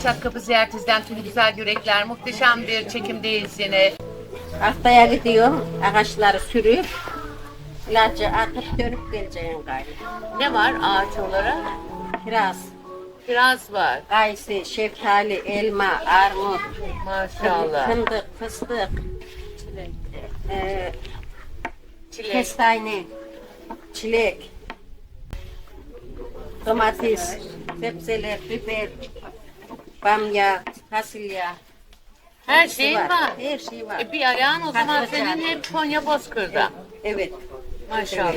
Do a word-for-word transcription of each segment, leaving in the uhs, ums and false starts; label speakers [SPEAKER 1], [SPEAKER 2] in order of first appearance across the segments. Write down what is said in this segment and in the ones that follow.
[SPEAKER 1] Çatkapı ziyaretinizden tüm güzel yürekler. Muhteşem bir çekimdeyiz yine.
[SPEAKER 2] Haftaya gidiyorum, ağaçları sürüp, ilacı atıp dönüp geleceğim gayrı.
[SPEAKER 1] Ne var ağaç olarak?
[SPEAKER 2] Kiraz,
[SPEAKER 1] Kiraz var.
[SPEAKER 2] kayısı, şeftali, elma, armut,
[SPEAKER 1] Maşallah.
[SPEAKER 2] fındık, fıstık, e,
[SPEAKER 1] Çilek.
[SPEAKER 2] kestane, çilek, domates, sebzeler, biber, bamya, fasulye.
[SPEAKER 1] Her
[SPEAKER 2] hepsi
[SPEAKER 1] şey var.
[SPEAKER 2] Her şey var.
[SPEAKER 1] E, bir ayağın o zaman
[SPEAKER 2] Patlıcan.
[SPEAKER 1] senin hep Konya Bozkır'da.
[SPEAKER 2] Evet.
[SPEAKER 1] Maşallah.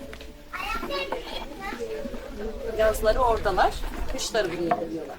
[SPEAKER 3] Yazları oradalar, kışları buraya geliyorlar.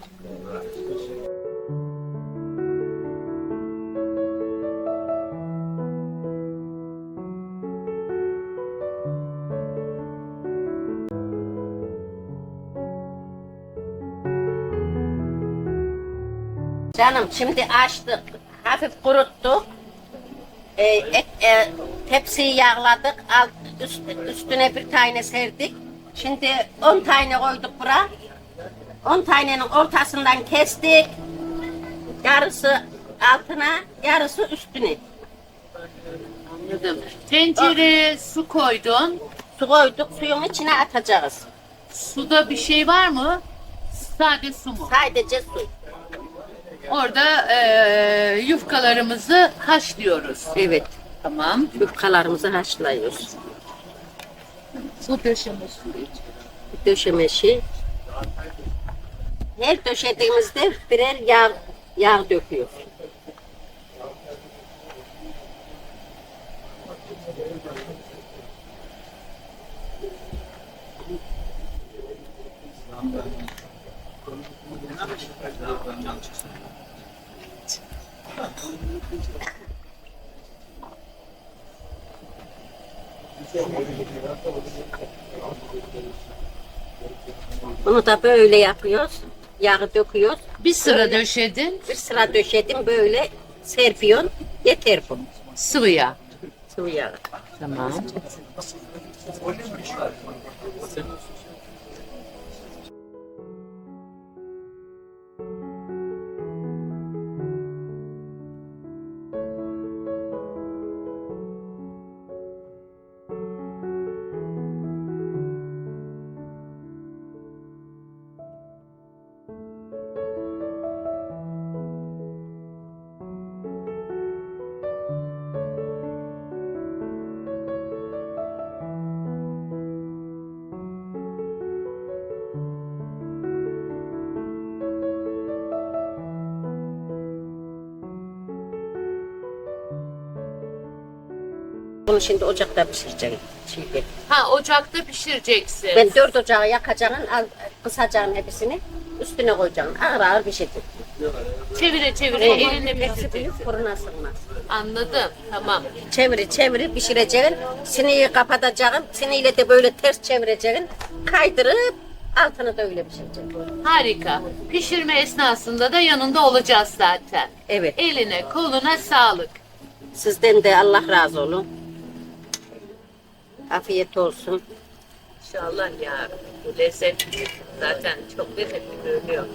[SPEAKER 2] Canım şimdi açtık, hafif kuruttuk, e, et, e, tepsiyi yağladık, alt, üst, üstüne bir tane serdik. Şimdi on tane koyduk buraya, on tanenin ortasından kestik, yarısı altına, yarısı üstüne.
[SPEAKER 1] Anladım. Tencereye su koydun.
[SPEAKER 2] Su koyduk, suyun içine atacağız.
[SPEAKER 1] Suda bir şey var mı? Sade su mu?
[SPEAKER 2] Sadece su.
[SPEAKER 1] Orada eee yufkalarımızı haşlıyoruz.
[SPEAKER 2] Evet,
[SPEAKER 1] Tamam.
[SPEAKER 2] yufkalarımızı haşlıyoruz.
[SPEAKER 1] Bu döşeme suyu.
[SPEAKER 2] Döşemesi. Her döşediğimizde birer yağ, yağ döküyor. Bunu da böyle yapıyoruz. Yağı döküyoruz.
[SPEAKER 1] Bir sıra döşedin.
[SPEAKER 2] Bir sıra döşedim böyle serpiyorsun. Yeter bu.
[SPEAKER 1] Sıvı yağ.
[SPEAKER 2] Sıvı yağı.
[SPEAKER 1] Tamam.
[SPEAKER 2] Bunu şimdi ocakta pişireceğim. Şimdi.
[SPEAKER 1] Ha ocakta pişireceksin.
[SPEAKER 2] Ben dört ocağı yakacağım, al, kısacağım hepsini. Üstüne koyacağım. Ağır ağır pişireceğim.
[SPEAKER 1] Çevire çevire
[SPEAKER 2] Evet.
[SPEAKER 1] elinle
[SPEAKER 2] Hepsi
[SPEAKER 1] pişireceksin.
[SPEAKER 2] büyük fırına sığmaz.
[SPEAKER 1] Anladım. Tamam.
[SPEAKER 2] Çeviri çeviri pişireceğim. Sineği kapatacağım. Sineğiyle de böyle ters çevireceğim. Kaydırıp altını da öyle pişireceğim.
[SPEAKER 1] Harika. Pişirme esnasında da yanında olacağız zaten.
[SPEAKER 2] Evet.
[SPEAKER 1] Eline koluna sağlık.
[SPEAKER 2] Sizden de Allah razı olun. Afiyet olsun.
[SPEAKER 1] İnşallah ya. Bu lezzetli. Zaten çok lezzetli görünüyor.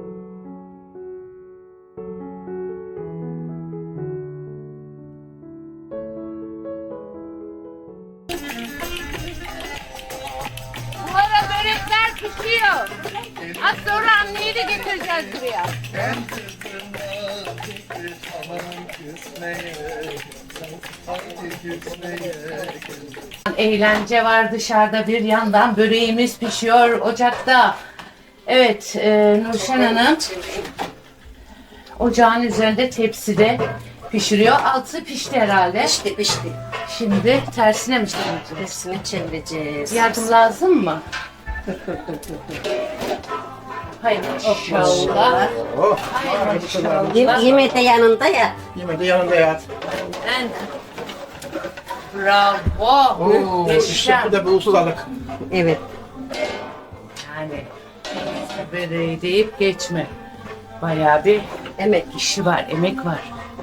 [SPEAKER 1] Bu ara börekler pişiyor. Az sonra anneyi de getireceğiz buraya. Eğlence var dışarıda, bir yandan böreğimiz pişiyor ocakta. Evet, e, Nurşen Hanım ocağın üzerinde tepside pişiriyor. Altı pişti herhalde.
[SPEAKER 2] Pişti pişti.
[SPEAKER 1] Şimdi tersine mi çevireceğiz?
[SPEAKER 2] Hepsini çevireceğiz.
[SPEAKER 1] Yardım lazım mı? Hayır inşallah.
[SPEAKER 4] Oh,
[SPEAKER 1] Hayır inşallah.
[SPEAKER 2] Yem- Yemeği de yanında ya.
[SPEAKER 4] yemeği de yanında yat.
[SPEAKER 1] En bravo.
[SPEAKER 4] Oo, işte
[SPEAKER 1] Muhteşem.
[SPEAKER 4] bu da bir ustalık.
[SPEAKER 2] Evet.
[SPEAKER 1] Yani böreği deyip geçme. Bayağı bir
[SPEAKER 2] Emek.
[SPEAKER 1] işi var, emek var.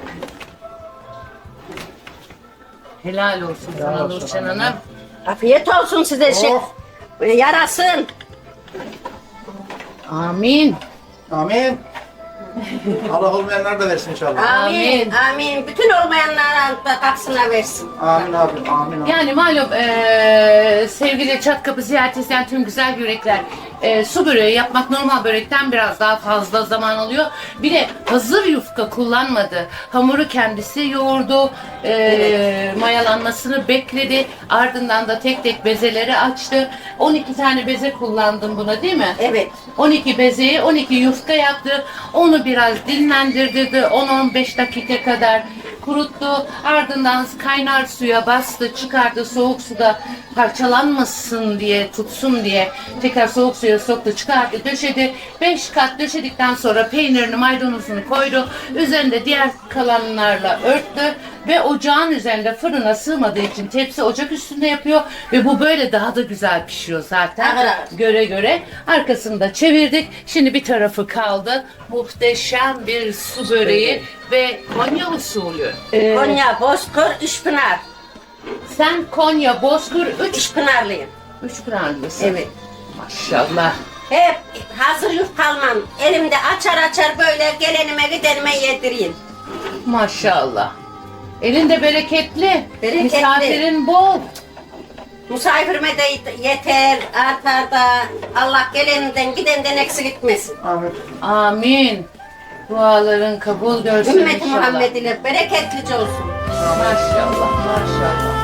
[SPEAKER 1] Helal olsun sana
[SPEAKER 4] olsun
[SPEAKER 1] Nurşen
[SPEAKER 4] hanım.
[SPEAKER 1] Hanım.
[SPEAKER 2] Afiyet olsun size şey.
[SPEAKER 4] Oh.
[SPEAKER 2] Yarasın.
[SPEAKER 1] Amin.
[SPEAKER 4] Amin. Allah olmayanlar da versin inşallah.
[SPEAKER 2] Amin. Amin. Bütün olmayanlara da kapsına versin.
[SPEAKER 4] Amin abi, amin abi.
[SPEAKER 1] Yani malum eee, sevgili Çatkapı ziyaret isteyen tüm güzel yürekler, eee, su böreği yapmak normal börekten biraz daha fazla zaman alıyor. Bir de hazır yufka kullanmadı. Hamuru kendisi yoğurdu, eee, mayalanmasını bekledi. Ardından da tek tek bezeleri açtı. on iki tane beze kullandım buna, değil mi?
[SPEAKER 2] Evet.
[SPEAKER 1] on iki bezeyi on iki yufka yaptı. Onu biraz dinlendirdi. on on beş dakika kadar kuruttu. Ardından kaynar suya bastı, çıkardı. Soğuk suda parçalanmasın diye, tutsun diye tekrar soğuk suya soktu, çıkardı, döşedi. beş kat döşedikten sonra peynirini, maydanozunu koydu. Üzerinde diğer kalanlarla örttü ve ocağın üzerinde fırına sığmadığı için tepsi ocak üstünde yapıyor ve bu böyle daha da güzel pişiyor zaten.
[SPEAKER 2] Evet.
[SPEAKER 1] Göre göre. Arkasını da çevirdik. Şimdi bir tarafı kaldı. Muhteşem bir su böreği ve Konya usulü. Ee,
[SPEAKER 2] Konya, Bozkır, Üçpınar.
[SPEAKER 1] sen Konya, Bozkır, üç,
[SPEAKER 2] Üçpınarlıyım.
[SPEAKER 1] üç pınarlısın.
[SPEAKER 2] Evet.
[SPEAKER 1] Maşallah.
[SPEAKER 2] Hep hazır yufka almam. Elimde açar açar böyle gelenime gidenime yedireyim.
[SPEAKER 1] Maşallah. Elinde bereketli.
[SPEAKER 2] Bereketli.
[SPEAKER 1] Misafirin bol.
[SPEAKER 2] Misafirime de yeter, artar da Allah geleninden gidenden eksik etmesin.
[SPEAKER 4] Amin.
[SPEAKER 1] Amin. Duaların kabul görsün
[SPEAKER 2] Ümmeti
[SPEAKER 1] inşallah.
[SPEAKER 2] Muhammed ile bereketlice olsun.
[SPEAKER 1] Maşallah, maşallah.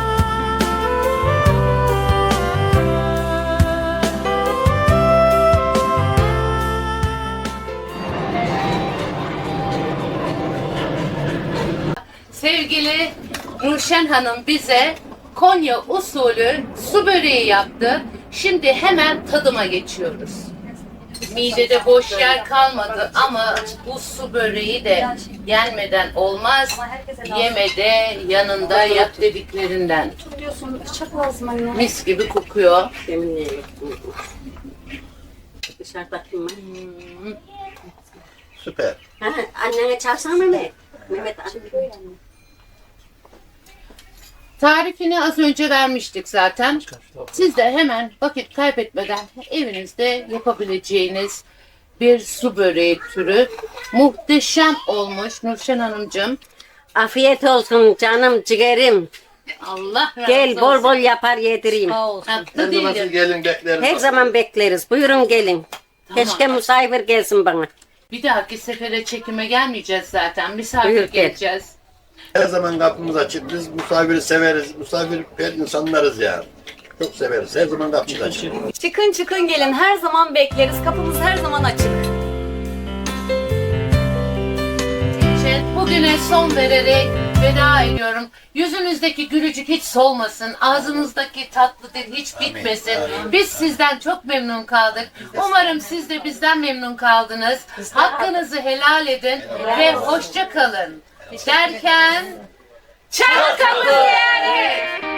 [SPEAKER 1] Sevgili Nurşen Hanım bize Konya usulü su böreği yaptı. Şimdi hemen tadıma geçiyoruz. Midede boş yer kalmadı ama bu su böreği de yenmeden olmaz. Yeme de yanında yap dediklerinden.
[SPEAKER 3] Tutuyorsun, bıçak lazım anne.
[SPEAKER 1] Mis gibi kokuyor.
[SPEAKER 2] Yeminle dışarıda kim var?
[SPEAKER 4] Süper.
[SPEAKER 2] Ha, annene çalsana Mehmet. Mehmet anne.
[SPEAKER 1] Tarifini az önce vermiştik zaten. Siz de hemen vakit kaybetmeden evinizde yapabileceğiniz bir su böreği türü. Muhteşem olmuş Nurşen Hanımcığım.
[SPEAKER 2] Afiyet olsun canım ciğerim.
[SPEAKER 1] Allah razı
[SPEAKER 2] Gel bol
[SPEAKER 1] olsun.
[SPEAKER 2] bol yapar yedireyim.
[SPEAKER 1] Tatlı
[SPEAKER 4] Her zaman siz
[SPEAKER 1] değilim.
[SPEAKER 4] gelin bekleriz.
[SPEAKER 2] Her zaman bekleriz. Buyurun gelin.
[SPEAKER 1] Tamam.
[SPEAKER 2] Keşke misafir gelsin bana.
[SPEAKER 1] Bir dahaki sefere çekime gelmeyeceğiz zaten. Misafir
[SPEAKER 2] Buyur, gel.
[SPEAKER 1] geleceğiz.
[SPEAKER 4] Her zaman kapımız açık. Biz misafiri severiz. Misafirper insanlarız yani. Çok severiz. Her zaman kapımız açık.
[SPEAKER 3] Çıkın çıkın gelin, her zaman bekleriz. Kapımız her zaman açık.
[SPEAKER 1] için bugüne son vererek veda ediyorum. Yüzünüzdeki gülücük hiç solmasın. Ağzınızdaki tatlı dil hiç bitmesin. Biz sizden çok memnun kaldık. Umarım siz de bizden memnun kaldınız. Hakkınızı helal edin ve hoşça kalın. Derken Çatkapı yani.